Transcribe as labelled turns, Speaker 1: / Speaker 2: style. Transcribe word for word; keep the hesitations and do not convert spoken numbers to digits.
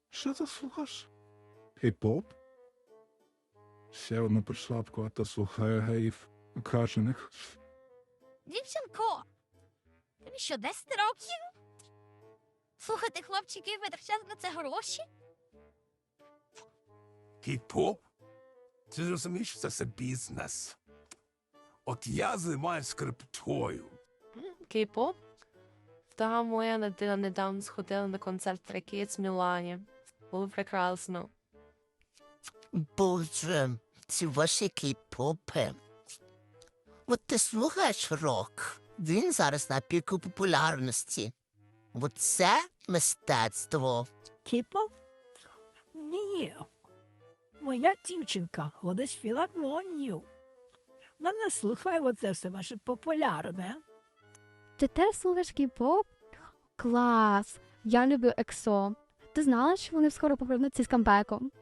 Speaker 1: Що ти слухаєш? Хіп-поп? Ще одна пришлапка, а та слухає геїв качених.
Speaker 2: Дівчинко, тобі що, десять років? Слухати хлопчиків, витрачати на це гроші?
Speaker 3: Хіп-поп? Ти ж розумієш, що це все бізнес. От я займаюся криптою.
Speaker 4: Кей-поп? Та моя дитина недавно сходила на концерт Трекіц в Мілані. Було прекрасно.
Speaker 5: Боже, ці ваші кей-попи. От ти слухаєш рок, він зараз на піку популярності. От це мистецтво.
Speaker 6: Кіпов? Ні. Моя дівчинка ходить в філармонію. Вона не слухає оце все ваше популярне.
Speaker 7: Ти теж слухаєш кей-поп? Клас! Я люблю ексо. Ти знала, що вони скоро повернуться з камбеком?